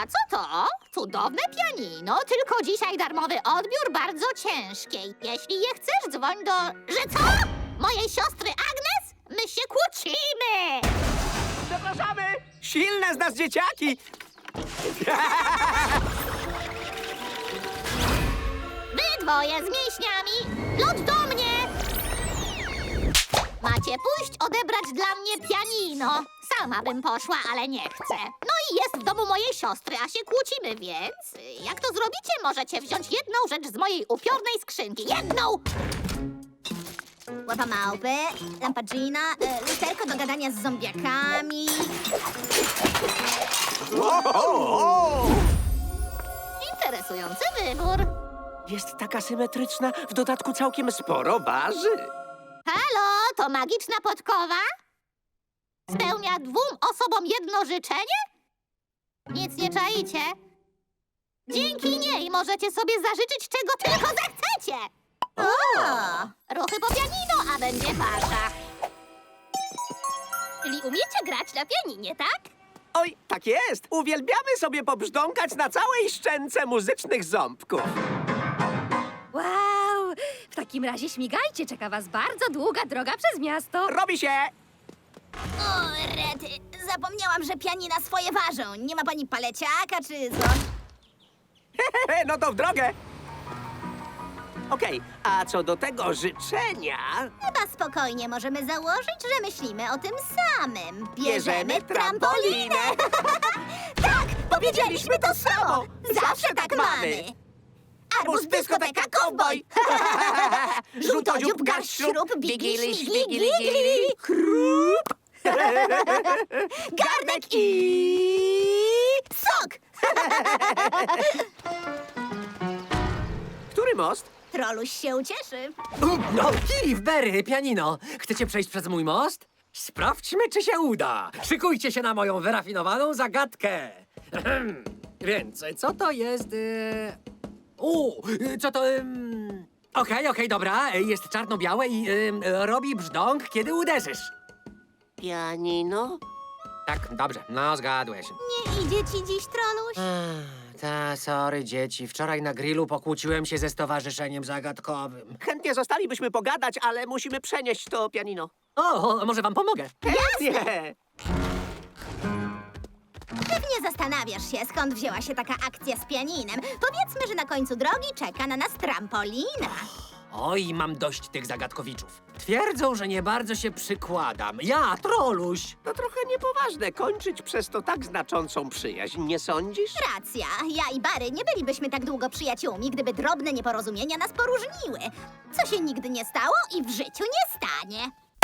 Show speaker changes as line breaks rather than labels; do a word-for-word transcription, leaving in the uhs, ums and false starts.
A co to? Cudowne pianino, tylko dzisiaj darmowy odbiór bardzo ciężkiej. Jeśli je chcesz, dzwoń do... Że co? Mojej siostry Agnes? My się kłócimy!
Zapraszamy! Silne z nas dzieciaki!
Wy dwoje z mięśniami! Lód do mnie! Macie pójść odebrać dla mnie pianino. Sama bym poszła, ale nie chcę. No i jest w domu mojej siostry, a się kłócimy, więc... Jak to zrobicie, możecie wziąć jedną rzecz z mojej upiornej skrzynki. Jedną!
Łapa małpy, lampa Gina, e, lusterko do gadania z zombiakami.
Interesujący wybór.
Jest taka symetryczna, w dodatku całkiem sporo waży.
Halo, to magiczna podkowa? Spełnia dwóm osobom jedno życzenie? Nic nie czaicie? Dzięki niej możecie sobie zażyczyć czego tylko zechcecie!
O!
Ruchy po pianino, a będzie wasza. Czyli umiecie grać na pianinie, tak?
Oj, tak jest! Uwielbiamy sobie pobrzdąkać na całej szczęce muzycznych ząbków.
Wow! W takim razie śmigajcie, czeka was bardzo długa droga przez miasto.
Robi się!
O, rety, zapomniałam, że pianina swoje ważą. Nie ma pani paleciaka czy co?
No to w drogę! Okej, a co do tego życzenia...
Chyba spokojnie możemy założyć, że myślimy o tym samym.
Bierzemy trampolinę.
Tak,
Powiedzieliśmy to samo. Zawsze tak mamy.
Arbuz, dyskoteka, kowboj.
Żółtodziób, garść, śrub, bigili, śmigili, gili,
chrup. Garnek i... sok.
Który most?
Troluś się ucieszy.
No, Kili w Berry, pianino. Chcecie przejść przez mój most? Sprawdźmy, czy się uda. Szykujcie się na moją wyrafinowaną zagadkę. Ehem. Więc, co to jest... Yy... U, co to... ym, Okej, okej, dobra. Jest czarno-białe i ym, robi brzdąk, kiedy uderzysz.
Pianino?
Tak, dobrze. No, zgadłeś.
Nie idzie ci dziś, Troluś?
Ech, Ta, sorry, dzieci. Wczoraj na grillu pokłóciłem się ze stowarzyszeniem zagadkowym.
Chętnie zostalibyśmy pogadać, ale musimy przenieść to pianino.
O, może wam pomogę?
Chętnie!
Pewnie zastanawiasz się, skąd wzięła się taka akcja z pianinem. Powiedzmy, że na końcu drogi czeka na nas trampolina.
Oj, mam dość tych zagadkowiczów. Twierdzą, że nie bardzo się przykładam. Ja, troluś.
To trochę niepoważne kończyć przez to tak znaczącą przyjaźń, nie sądzisz?
Racja, ja i Bary nie bylibyśmy tak długo przyjaciółmi, gdyby drobne nieporozumienia nas poróżniły. Co się nigdy nie stało i w życiu nie stanie.